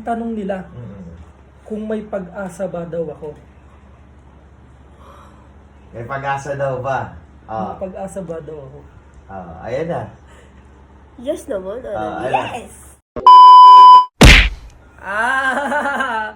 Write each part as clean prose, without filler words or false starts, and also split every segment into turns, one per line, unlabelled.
tanong nila,
Mm.
kung may pag-asa ba daw ako?
May pag-asa daw ba?
May pag-asa ba daw ako?
Ayan na.
Yes naman.
Ayan.
Yes!
Ah!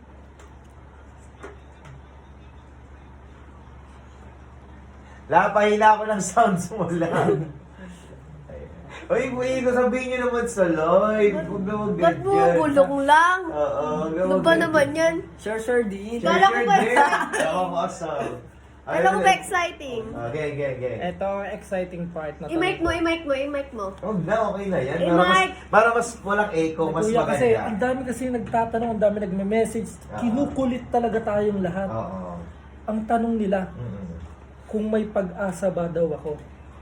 Lapahila ko ng sounds mo lang. Uy, buhay ko, sabihin nyo naman sa live. Huwag na
Ba't
mag-ganyan.
bumubulong lang?
Oo, huwag na
Ano ba naman yan?
Sure, din.
Kala ko ba-
Ako awesome.
Kala ko ba exciting?
Okay.
Ito ang exciting part na
I-mic mo.
Huwag na, okay na yan.
Mike.
Para mas walang echo, mas
Kuya, kasi ang
maganda.
dami kasi nagtatanong, ang dami nagme-message. Kinukulit talaga tayong lahat.
Oo.
Ang tanong nila,
Mm.
kung may pag-asa ba daw ako?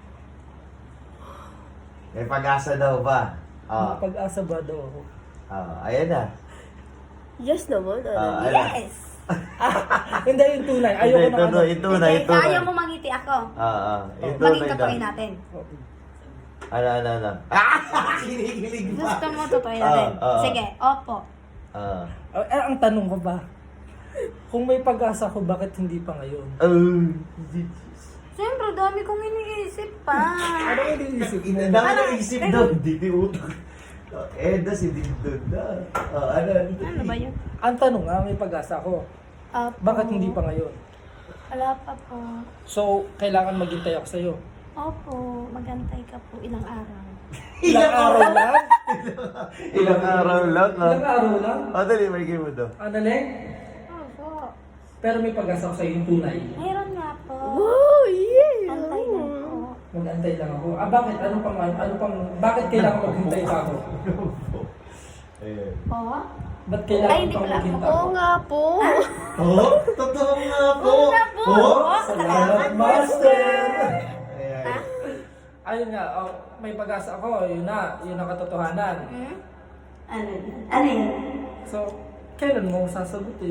May pag-asa daw ba?
May pag-asa ba daw ako?
Ayan na.
Yes naman.
Ayan.
Yes!
Hindi, yung tunay. Ayoko na ano.
Yung tunay.
Ayaw mo mangiti ako.
Yung
Maging
tunay daw.
totoo natin.
Ano. Kinikilig pa.
Gusto mo totoo natin. Sige, opo.
Ang tanong ko ba, kung may pag-asa ko, bakit hindi pa ngayon?
Siyempre, dami kong iniisip pa.
Ano yung iniisip mo?
Dami na isip daw. Hindi utak. Eda si Dindon na.
Ano ba yun?
Ang tanong nga, may pag-asa ko.
Opo.
Bakit hindi pa ngayon?
Wala pa po.
So, kailangan maghintay ako sa'yo.
Opo, magantay ka po ilang araw.
Ilang araw lang?
Ilang araw lang.
Ilang araw lang?
Dali, may game mo daw.
Ano, Leng?
Opo.
Pero may pag-asa ko sa'yo yung tunay.
Mayroon nga po.
Oh, yeah!
Antay lang po.
Mag-antay lang ako. Bakit? Bakit kailangan maghintay pa ako?
Ayan.
Po?
Ba't
Ay,
kailangan
hindi
pang
pala.
maghintay
Oo
ako?
nga po.
Totoo nga po.
Oo nga po.
Salamat, Master!
Ayan.
Ayun nga, may pag-asa ako. Yun ang katotohanan.
Ano yun? Ano yun?
So, kailan mo sasagutin?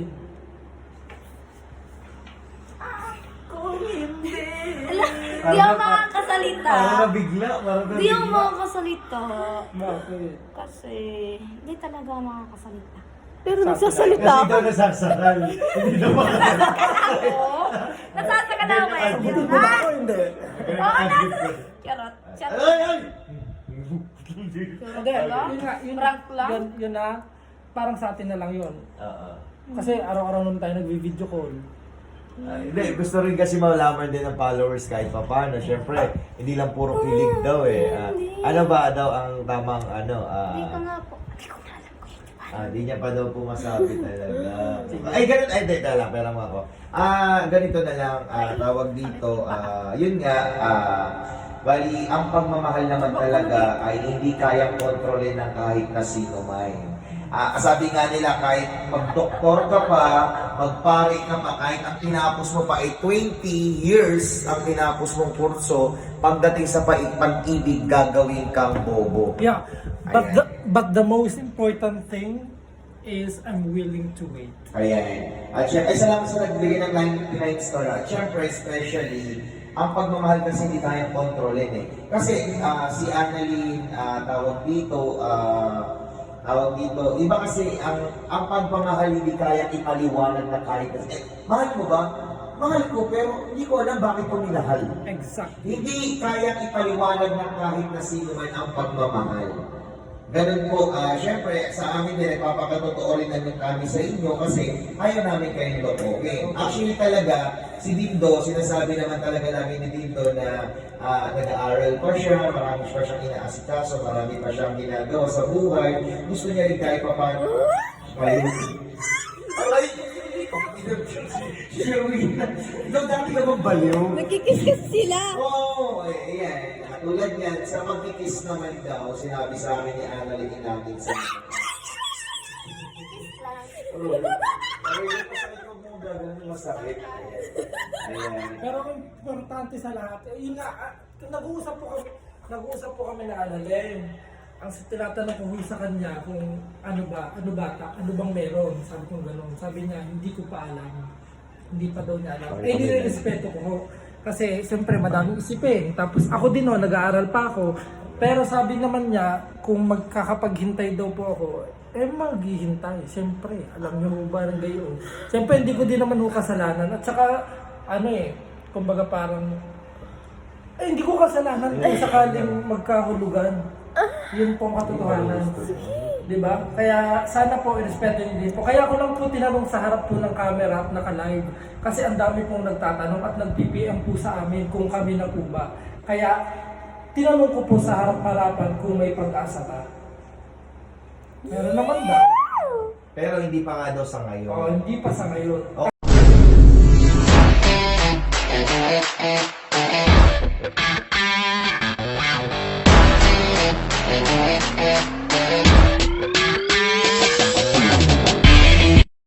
Kung hindi.
Di ako makakasalita.
Parang nabigla.
Di ako makakasalita.
Bakit?
Kasi, di talaga ako makakasalita.
Pero
Kasi
nagsasalita ako.
daw nasasakal. Hindi na makakala.
Oo. Nasasaka na ako eh.
Sagutin mo ba ako? Hindi.
Charot. Charot.
Ay!
Hindi,
Wala? Prank lang?
Yun na, parang sa atin na lang yun.
Oo.
Kasi araw-araw naman tayo nagvi-video call.
Hindi, gusto rin kasi malaman din ng followers kahit pa paano. Siyempre, hindi lang puro kilig daw eh. Ano ba daw ang tamang ano?
Hindi ko nga po. Hindi ko nga alam ko yun.
Di niya pa daw po masabi talaga. Ay, ganun. Ay, teka lang. Pera mo ako. Ganito na lang. Tawag dito. Yun nga. Bali, ang pagmamahal naman talaga ay hindi kayang kontrolin ng kahit na sino man. Sabi nga nila, kahit mag-doktor ka pa, magpare ka pa, kahit ang tinapos mo pa ay 20 years ang tinapos mong kurso, pagdating sa pag-ibig, gagawin kang bobo.
Yeah, but the most important thing is I'm willing to wait.
Ayan. At syempre, salamat sa nagbigay ng 99 star. At syempre, especially, ang pagmamahal kasi hindi kayang kontrolin eh. Kasi si Annalyn, tawag dito, iba kasi ang pagmamahal hindi kaya ipaliwanag na kahit mahal mo ba? Mahal ko, pero hindi ko alam bakit ko minahal.
Exactly.
Hindi kaya ipaliwanag ng kahit na sino man ang pagmamahal. Ganun po, syempre sa amin din, papakatotoo rin namin kami sa inyo kasi ayaw namin kayong lokohin. Actually talaga, si Dindo, sinasabi naman talaga namin ni Dindo na nag-aaral pa siya, marami pa siyang inaasikaso, marami pa siyang ginagawa sa buhay. Gusto niya rin kahit pa paano. Aray! Ikaw dati ka bang baliw?
Nagkikis-kis sila.
Oo, ayan. Tulad yan, sa pagkikis naman daw, sinabi sa amin ni Annalyn natin sa... Masakit. Ayan.
Pero ang importante sa lahat, yun nga, nag-uusap po kami na Annalyn. Ang tinatanong ko sa kanya kung ano bang meron. Sabi ko gano'n. Sabi niya, hindi ko pa alam. Hindi pa daw niya alam. Nire-respeto ko. Kasi siyempre madaming isipin. Tapos ako din nag-aaral pa ako. Pero sabi naman niya, kung magkakapaghintay daw po ako, maghihintay. Siyempre, alam niyo ba rin gayon. Siyempre, hindi ko din naman ho kasalanan. At saka, kumbaga parang, hindi ko kasalanan kung sakaling magkahulugan. Yun po ang katotohanan. Diba? Kaya sana po, irespeto niyo din po. Kaya ko lang po tinanong sa harap po ng camera at naka-live. Kasi ang dami pong nagtatanong at nag-PPM po sa amin kung kami na po ba. Kaya, tinanong ko po sa harap-harapan kung may pag-asa ba. Meron naman daw.
Pero hindi pa nga daw sa ngayon.
Hindi pa sa ngayon.